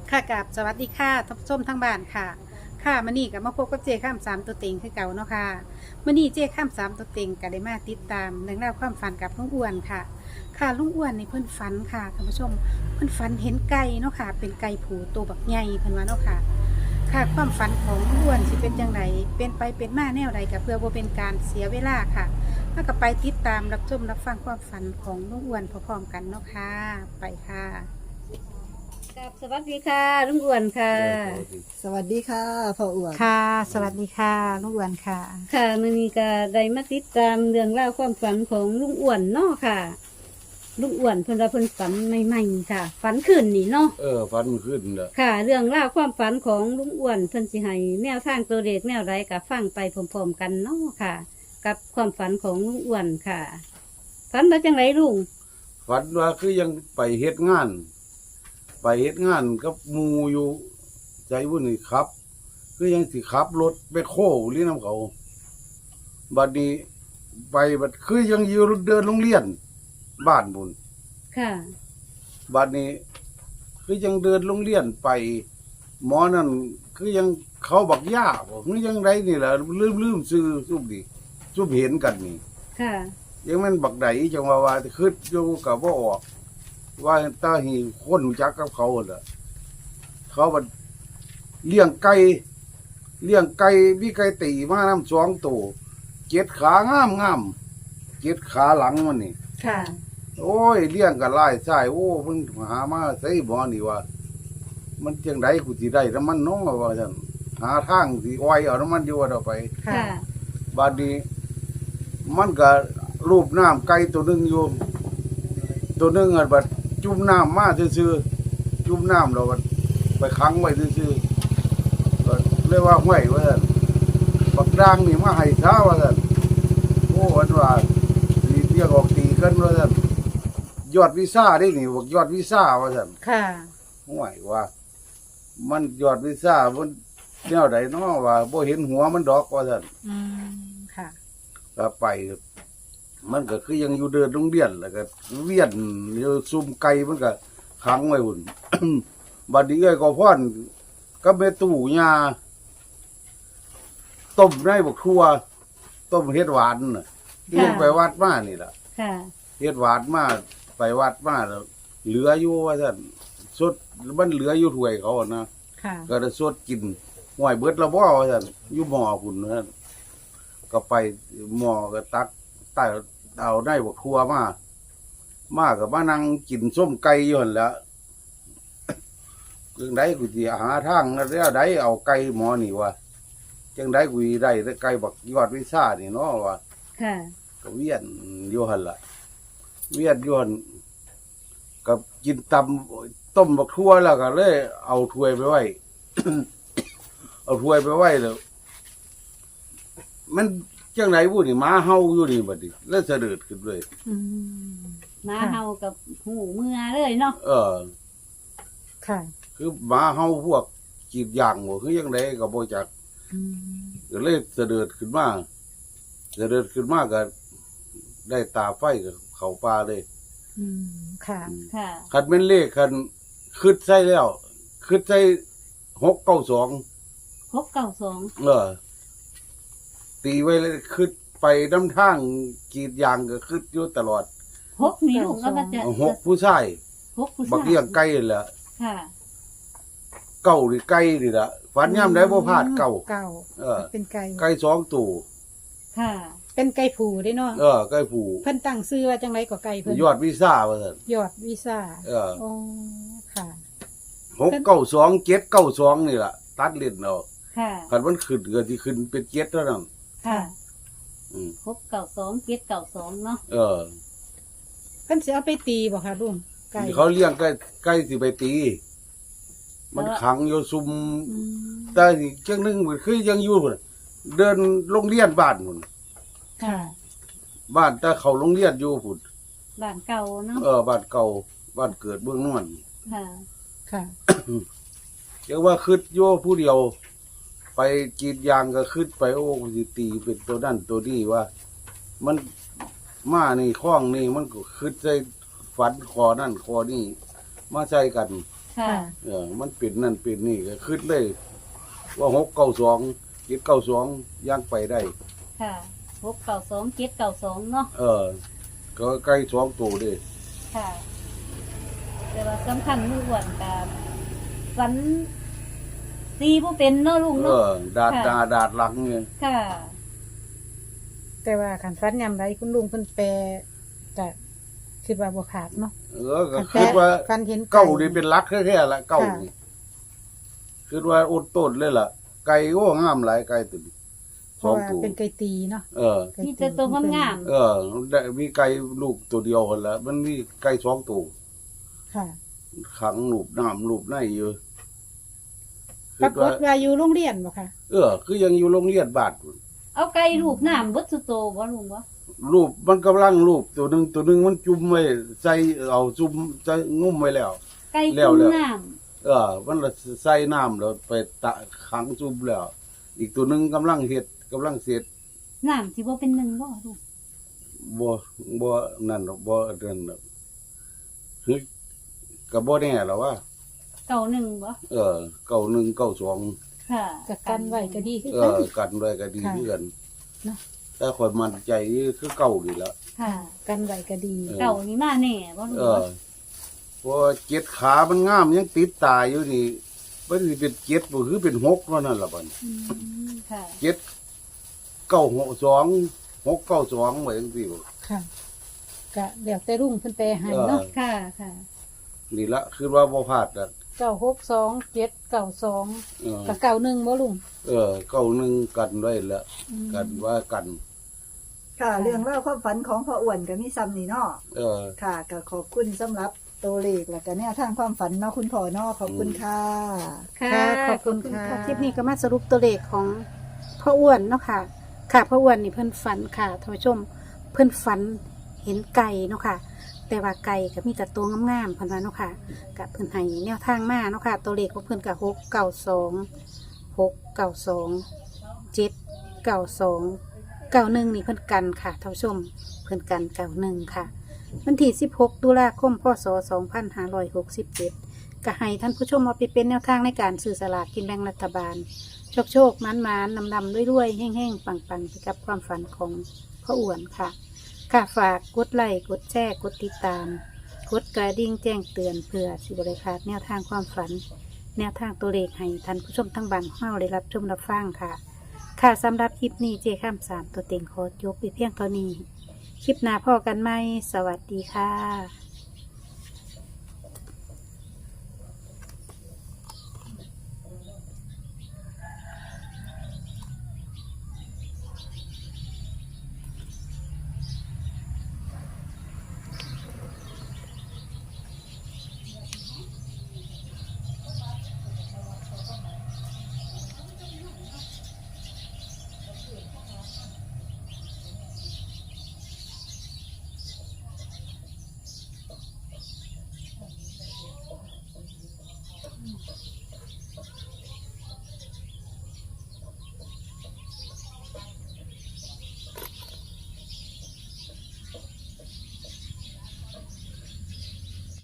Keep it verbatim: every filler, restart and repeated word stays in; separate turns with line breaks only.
ค่ะกับสวัสดีค่ะท่านผู้ชมทั้งบ้านค่ะค่ะมื่อนี้กับมาพบกับเจข้ามสามตัวเต็งคือเก่าเนาะค่ะมื่อนี้เจข้ามสามตัวเต็งก็ได้มาติดตามเรื่องราวความฝันกับลุงอ้วนค่ะ ค่ะลุงอ้วนในเพิ่นฝันค่ะท่านผู้ชมเพิ่นฝันเห็นไก่เนาะค่ะเป็นไก่ผูตัวบักใหญ่เพิ่นว่าเนาะค่ะค่ะความฝันของลุงอ้วนสิเป็นจังไดเป็นไปเป็นมาแนวใดก็เพื่อบ่เป็นการเสียเวลาค่ะแล้วก็ไปติดตามรับชมรับฟังความฝันของลุงอ้วนพร้อมๆกันเนาะค่ะไปค่ะ
กับสวัสดีค่ะลุงอ้วนค่ะ
สวัสดีค่ะพ่ออ้วน
ค่ะ สวัสดีค่ะลุงอ้วนค่ะ
ค่ะมื้อนี้ก็ได้มาติดตามเรื่องราวความฝันของลุงอ้วนเนาะค่ะลุงอ้วนเพิ่นว่าเพิ่นฝันใหม่ๆค่ะ ฝันขึ้นนี่เนาะ
เออฟันมันขึ้นเด้อ
ค่ะ เรื่องราวความฝันของลุงอ้วนเพิ่นสิให้แนวทางตัวเด็กแนวใดก็ฟังไปพร้อมๆกันเนาะค่ะ กับความฝันของลุงอ้วนค่ะ ฝันว่าจังไรลุง
ฟันว่าคือยังไปเฮ็ดงาน ไปเฮ็ดงานกับหมู่อยู่ใจวุ่นนี่ครับ คือยังสิขับรถไปโค้หรือน้ำเขาบัดนี้ไปบัดคือยังอยู่เดินโรงเรียน บ้านบุญ
ค่ะ
บัดนี้ คือยังเดินโรงเรียนไป หมอนั่นคือยังเขาบักย่าบ่คือยังไรนี่แหละลืมลืมซื้อซุบดิซุบเห็นกันนี่
ค่ะ
ยังแมันบักใดจังว่าว่าคืออยู่กับว่าออก ว่าตาหีคนรู้จักกับเขาเหรอเขาบัดเลี้ยงไก่เลี้ยงไก่มีไก่ตีมาน้ำสองตัวเจ็ดขางามงามเจ็ดขาหลังมันนี่
ค่ะ
โอ้ยเลี้ยงกันไล่ใช่โอ้เพิ่งหามาใส่บ่อนี่ว่า มันจังไดกูสิได้น้ำมันน้องว่าซั่นหาทางสิอ้อยเอาน้ำมันอยู่ว่าเอาไป
ค่ะ
บัดนี้ มันก็รูปน้ำไก่ตัวหนึงอยู่ ตัวหนึงอ่ะบัดจุ่มน้ำมาซื่อๆจุ่มน้ำเราบัดไปขังไว้ซื่อๆก็เรียกว่าห้วยว่าซั่นบักด่างนี่มาให้ช้าว่าซั่นโอ้วันว่าสิเรียกออกตีกันว่าซั่นยอดวิซ่าได้นี่บอกยอดวิซ่าว่าซั่น
ค่ะ
ห้วยว่า มันยอดวิซ่ามันแนวใดเนาะว่าบ่เห็นหัวมันดอกว่าซั่น
อืม ค่ะ
ก็ไป มันก็คือยังอยู่เดินโรงเรียนแล้วก็เวียนอยู่ซุ่มไก่มันก็ขังไว้หุ่น บัดนี้เอ้ยก็พ่อนก็เมตู่ยาต้มในบักทั่วต้มเฮ็ดหวานน่ะที่ยังไปวัดมานี่ล่ะ
ค่ะ
เฮ็ดหวานมาไปวัดมาแล้วเหลืออยู่ว่าซั่นสดมันเหลืออยู่ถ้วยเขาอะนะ
ค่ะ
ก็ได้สดกินห่วยเบิดและบ่ว่าซั่นอยู่หม้อพุ่นนั่นก็ไปหม้อก็ตักใต้เอาได้บักทั่วมามาก็มานั่งกินส้มไก่อยู่หั่นแหล้วจังไดกูสิหาทางแล้วใดเอาไก่หมอนี่วะจังไดกูสิได้แต่ไก่บักยอดวิซ่านี่เนาะว่า
ค่ะ
ก็เวียนอยู่หั่นล่ะเวียนอยู่หั่นกับกินตำต้มบักทั่วแล้วก็เลยเอาถ้วยไปไว้ เอาถ้วยไปไว้แล้วมันจังไหนบุนี่หมาเฮาอยู่นี่บัดนี้แล้วเสด็จขึ้นเลย
อืม
มาเฮากับหูเมื่อเลยเนาะ
เออ
ค่ะ
คือหมาเฮาพวกกีดยางบ่คือจังไดก็บ่จัก
อืม
ก็เลยเสด็จขึ้นมาเสด็จขึ้นมาก็ได้ตาไฟกับเขาป่าเลย
อืม ค่ะ
ค่ะ
คันเป็นเลขคันคิดใส่แล้วคิดใส่หกเก้าสอง
หกเก้าสอง
เออ ตีไว้เลยคิดไปน้ำทางกีดยางก็คิดอยู่ตลอด
หกนี่ลูกก็มาจะ
หกผู้ชาย
หกผู้ชาย
บักเลี้ยงไก่นั่นแหละ
ค่ะ
เก้าหรือไก่นี่ล่ะฝันย่ำได้บ่พลาดเก้า
เก่า
เออ
เป็นไก่
ไก่สองตัว
ค่ะ
เป็นไก่ผูได้เนาะ
เออไก่ผู้
เพิ่นตั้งซื้อว่าจังไรก็ไก่เพิ่น
ยอดวิซ่าว่าซั่น
ยอดวีซ่า
เออ
โอ้ค่ะ
หกเก้าสองเจ็ดเก้าสองนี่ล่ะ ตัดเล่นเอา
ค่ะ
คันมันขึ้นก็สิขึ้นเป็นเจ็ดเท่านั้น
ค่ะ
อืม
หกเก้าสองเจ็ดเก้าสองเนาะ
เออ
เพิ่นสิเอาไปตีบ่ค่ะลุงไก่
เขาเลี้ยงไก่ไก่สิไปตี มันขังอยู่ซุม
อืม
แต่อีกจังหนึงมันคือยังอยู่พุ่นเดินโรงเรียนบ้านพุ่น
ค่ะ
บ้านแต่เขาโรงเรียนอยู่พุ่น
บ้านเก่าเนาะ
เออบ้านเก่าบ้านเกิดเบื้องนวน
ค่ะ
ค่ะ
เรียกว่าคืดโย่ผู้เดียว ไปกรีดยางก็คืดไปโอ้สิตีเป็นตัวนั่นตัวนี้ว่า มันมานี่คล้องนี่มันก็คืดใส่ฝันคอนั่นคอนี่มาใส่กัน
ค่ะ
เออมันเป็นนั่นเป็นนี่ก็คิดเลย ว่าหกเก้าสองเจ็ดเก้าสองย่างไปได้
ค่ะหกเก่าสองเจ็ดเก่าสองเนาะ
เออ ก็ใกล้สองตัวเด้
ค่ะแต่ว่าสำคัญลุงอ้วนกับฝันตีผู้เป็นเนาะลุง
เอ
เนาะ
อ ดาด
ค่ะ
ดาดาดหลังเนี่ย
ค่ะ
แต่ว่าขันฟันยำไรคุณลุงเพิ่นแปลจะคิดว่าบ่ขาดเนาะ
เออก็
ขัน
คิดว่า
ฟันเห็น
เก้านี่เป็นหลักแท้ๆละเก้า
ค่ะ
นี่คิดว่าอดต้นเลยล่ะ ไก่โอ้งามหลายไก่ตัวนี้
เพ
สอ
ราะ
ง
ว่า
ตัว
เป็นไก่ตีเนาะ
เออ
ไก่
มีแต่ตัวงาม
เออได้มีไก่ลูกตัวเดียวคนละมันมีไก่สองตัว
ค่ะ
ขังลูกน้ำลูกในอยู่
ปรากฏว่าอยู่โรงเรียนบ่ค่ะ
เออ คือยังอยู่โรงเรียนบาทพุ่น
ๆเอาไก่ลูกน้ำเบดสุโตบ่ลุงบ่
รูปมันกำลังรูปตัวหนึ่งตัวหนึ่งมันจุ่มไว้ใส่เอาจุ่มใส่งุ้มไว้แล้ว
ไก่
แล้ว
จุ่ม
แล้ว
น้
เออ มันละใส่น้ำแล้วไปตะขังจุ่มแล้ว อีกตัวหนึ่งกำลังเห็ดกำลังเสร็จ
ำน้ำสิบ่เป็นหนึ่งบ่ลุง
บ่บ่นั่นหรอกบ่นั่นหรอกเฮ้ยก็บ่แน่หรอกว่า
เก่าหนึ่งบ่
เออเก้าหนึ่งเก้าสอง
ค่ะ
กับกันไว้ก็ดีคือ
เอ
กัน
อกันไว้ก็ดี
ค่ะ
เพื่อน
เนาะ
แต่คนมันใจคือเก่าดีละ
ค่ะ
กันไว้ก็ดี
เออ
เก่านี่มาแน่บ่ลุง
เอ
บ่
อเพราะว่าเจ็ดขามันงามยังติดตาอยู่นี่มันสิเป็นเจ็ดบ่คือเป็นหกเท่านั้นล่ะบัด
มค่ะ
เจ็ดเก้าหกสองหกเก้าสองไว้จังซี่บ่
ค่ะก็เดี๋ยวแต่รุ่งเพิ่นแปลให้เนาะ
ค่ะค่ะ
นี่ละคือว่าบ่พลาดอ่ะ
เก้าหกสองเจ็ดเก้าสอง
เออ
กับเก้าหนึ่งบ่ลุง
เออเก้าหนึ่งกันไว้แล้วกันว่ากัน
ค่ะ เรื่องเล่าวความฝันของพ่ออ้วนกับมิซัมนี่เนาะ
เออ
ค่ะก็ขอบคุณสำหรับตัวเลขและก็แนวทางความฝันเนาะคุณพ่อเนาะขอบคุณค่ะ
ค่ะขอบคุณค่ะคลิปนี้ก็มาสรุปตัวเลขของพ่ออ้วนเนาะค่ะ ค่ะพ่ออ้วนนี่เพิ่นฝันค่ะท่านผู้ชม เพิ่นฝันเห็นไก่เนาะค่ะ แต่ว่าไก่ก็มีแต่ตัวงามๆเพิ่นว่าเนาะค่ะกับเพิ่นให้แนวทางมาเนาะค่ะ ตัวเลขของเพิ่นก็หกเก้าสองหกเก้าสองเจ็ดเก้าสองเก้าหนึ่งนี่เพิ่นกันค่ะท่านผู้ชม เพิ่นกันเก้าหนึ่งค่ะ วันที่สิบหกตุลาคมพศสองพันห้าร้อยหกสิบเจ็ดก็ให้ท่านผู้ชมเอาไปเป็นแนวทางในการสื่อสลากกินแบ่งรัฐบาล โชคโชคมันมันนำนำด้วยด้วยแห้งแห้งปังปังไปกับความฝันของพ่ออ้วนค่ะ ค่ะฝากกดไลค์กดแชร์กดติดตาม กดกระดิ่งแจ้งเตือนเพื่อสิบริพลาดแนวทางความฝัน แนวทางตัวเลขให้ท่านผู้ชมทั้งบ้านของเราได้รับชมรับฟังค่ะ ค่ะสำหรับคลิปนี้เจข้ามสามตัวเต็งขอยกไปเพียงเท่านี้ คลิปหน้าพ่อกันไหมสวัสดีค่ะ